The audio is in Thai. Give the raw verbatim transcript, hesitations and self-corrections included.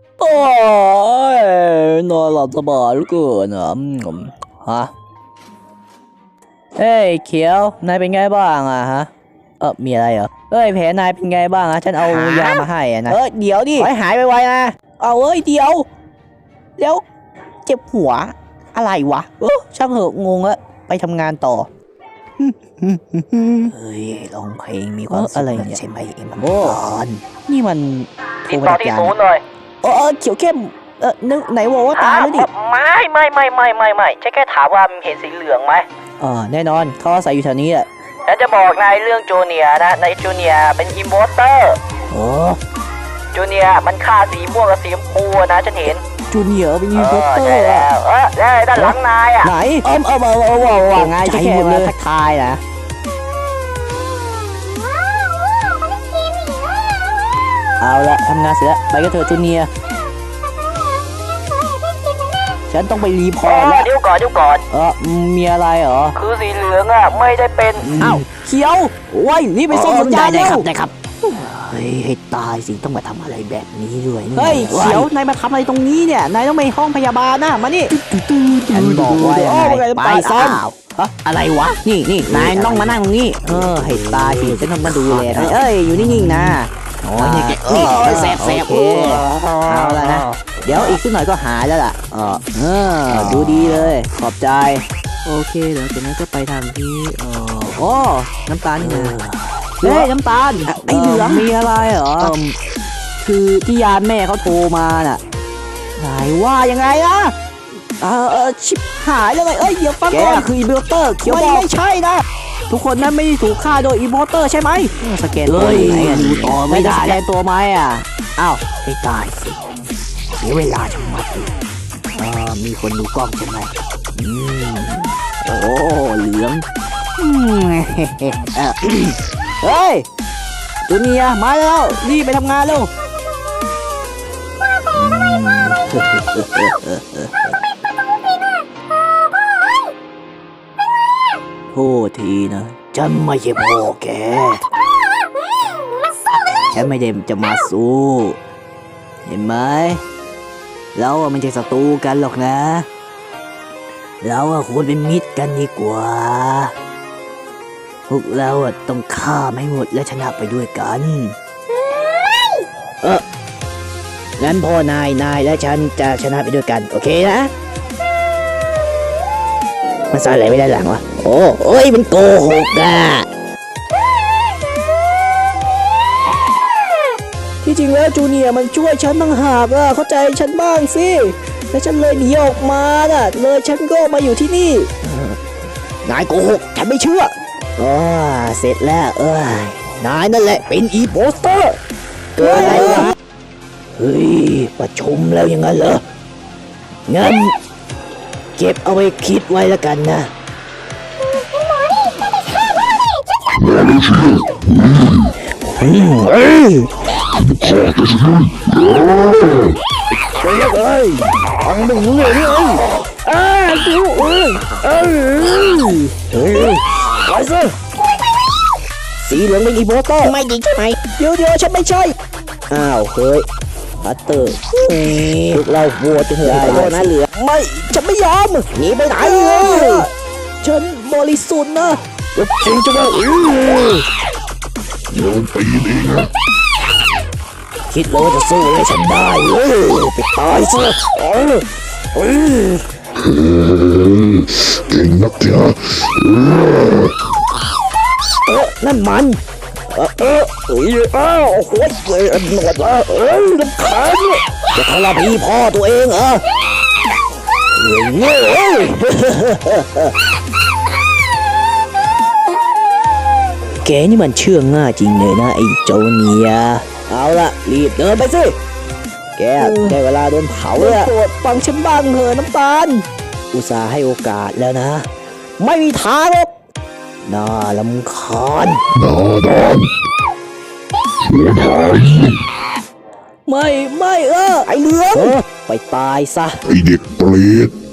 โอ้ยนอนหลับสบายเหลือเกินอ่ะฮะเฮ้ยเขียวนายเป็นไงบ้างอะฮะเออมีอะไรเหรอเฮ้ยแผลนายเป็นไงบ้างอะฉันเอายามาให้อะนะเออเดี๋ยวดิหายไปไวนะเอาเอ้ยเดี๋ยวแล้วเจ็บหัวอะไรวะเออช่างเหอะงงละไปทำงานต่อเฮ้ยร้องเพลงมีความสุขอะไรเนี่ยใช่ไหมเอ็มโอ้นี่มันติดต่อที่ศูนย์เลยเออเขียวเข้มเออนึกไหนบอกว่าตายแล้วดิไม่ไม่ไม่ไม่ไม่ไม่ฉันแค่ถามว่าเห็นสีเหลืองไหมอ๋อแน่นอนเขาอาศัยอยู่แถวนี้แหละฉันจะบอกนายเรื่องจูเนียนะในจูเนียเป็นอิมโพสเตอร์โอ้จูเนียมันฆ่าสีม่วงกับสีชมพูนะฉันเห็นจูเนียเป็นอิมโพสเตอร์แล้วเออได้ด้านหลังนายอ่ะไหนเอิมเอิมเอิมเอิมว่าไงจะแค่มาทักทายนะเอาละทำงานเสร็จแล้วไปกันเถอะจูเนียฉันต้องไปรีพอร์ตแล้วเดี๋ยวก่อนเดี๋ยวก่อนเออมีอะไรเหรอคือสีเหลืองอ่ะไม่ได้เป็นอ้าวเขียวไว้รีบไปส่งสัญญาณได้ครับได้ครับเฮ้ยให้ตายสิต้องมาทำอะไรแบบนี้ด้วยเฮ้ยเขียวนายมาทำอะไรตรงนี้เนี่ยนายต้องไปห้องพยาบาลนะมานี่ฉันบอกว่าไปซ่อมอะไรวะนี่นี่นายต้องมานั่งตรงนี้เออให้ตายสิฉันต้องมาดูแลเอ้ยอยู่นิ่งๆนะโอ้ยนี่นี่แสบแสบเอาละนะเดี๋ยวอีกสักหน่อยก็หายแล้วล่ะเออเออดูดีเลยขอบใจโอเคเดี๋ยวจากนั้นก็ไปทางที่เออโอ้น้ำตาลนี่นะเฮ้ยน้ำตาลไอ้เหลืองมีอะไรเหรอคือที่ยานแม่เขาโทรมาน่ะไหนว่ายังไงนะเออเออชิบหายแล้วไงเอ้ยเดี๋ยวฟังก่อนคืออีเบลเตอร์เขียวบอกไม่ใช่นะทุกคนนั้นไม่ได้ถูกฆ่าโดยอีโมเตอร์ใช่ไหมสแกนตัวไหนอ่ะดูต่อไม่ได้สแกนตัวไหมอ่ะอ้าวไม่ได้สิเสียเวลาชะมัดเลยอ่ามีคนดูกล้องใช่ไหมอืมโอ้เหลืองเฮ้ยจูเนียมาแล้วรีบไปทำงานแล้วโทษทีนะฉันไม่ใช่พ่อแกฉันไม่ได้จะมาสู้เห็นไหมเราอะไม่ใช่ศัตรูกันหรอกนะเราอะควรเป็นมิตรกันดีกว่าพวกเราอะต้องฆ่าไม่หมดและชนะไปด้วยกันเอองั้นพ่อนายนายและฉันจะชนะไปด้วยกันโอเคนะมันซ่อนอะไรไม่ได้หลังวะโอ้โอ้ยมันโกหกอ่ะที่จริงแล้วจูเนียร์มันช่วยฉันต่างหากอ่ะเข้าใจฉันบ้างสิแล้วฉันเลยหนีออกมาน่ะเลยฉันก็มาอยู่ที่นี่นายโกหกฉันไม่เชื่ออ๋อเสร็จแล้วเอ้ยนายนั่นแหละเป็นอีโปสเตอร์เกิดอะไรวะเฮ้ยประชุมแล้วยังไงเหรองั้นเก็บเอาไว้คิดไว้แล้วกันนะเฮ้ยเฮ้ยเฮ้ยฟังไม่รู้เลยนี่เอ้ยอ้าดูเอ้ยเอ้ยเฮ้ยไปสิสีเหลืองเป็นอีโบโต้ไม่จริงใช่ไหมเดี๋ยวเดี๋ยวฉันไม่ใช่อ้าวเฮ้ยพัตเตอร์พวกเราโหวตหัวโดนนะเหลือไม่ฉันไม่ยอมหนีไปไหนเลยฉันบริสุทธิ์นะจริงจังเลยโดนตีเองนะคิดว่าจะสู้ให้ฉันได้เว้ยไปตายซะเออเออเก่งนักจ้ะเออนั่นมันเออเออเอออ้าวโอ้โหเอ้ยหนวดละเอ้ยลำคาญจะทรพีพ่อตัวเองเหรอเฮ้ยเว้ยแกนี่มันเชื่องง่ายจริงเลยนะไอ้โจเนียเอาละรีบเดินไปสิแกได้เวลาโดนเผาแล้วโปรดฟังฉันบ้างเถอะน้ำตาลอุตส่าห์ให้โอกาสแล้วนะไม่มีทางหรอกน่าลำคาญน่าดอนไม่ไม่เออไอ้เหลืองไปตายซะไอเด็กเปรต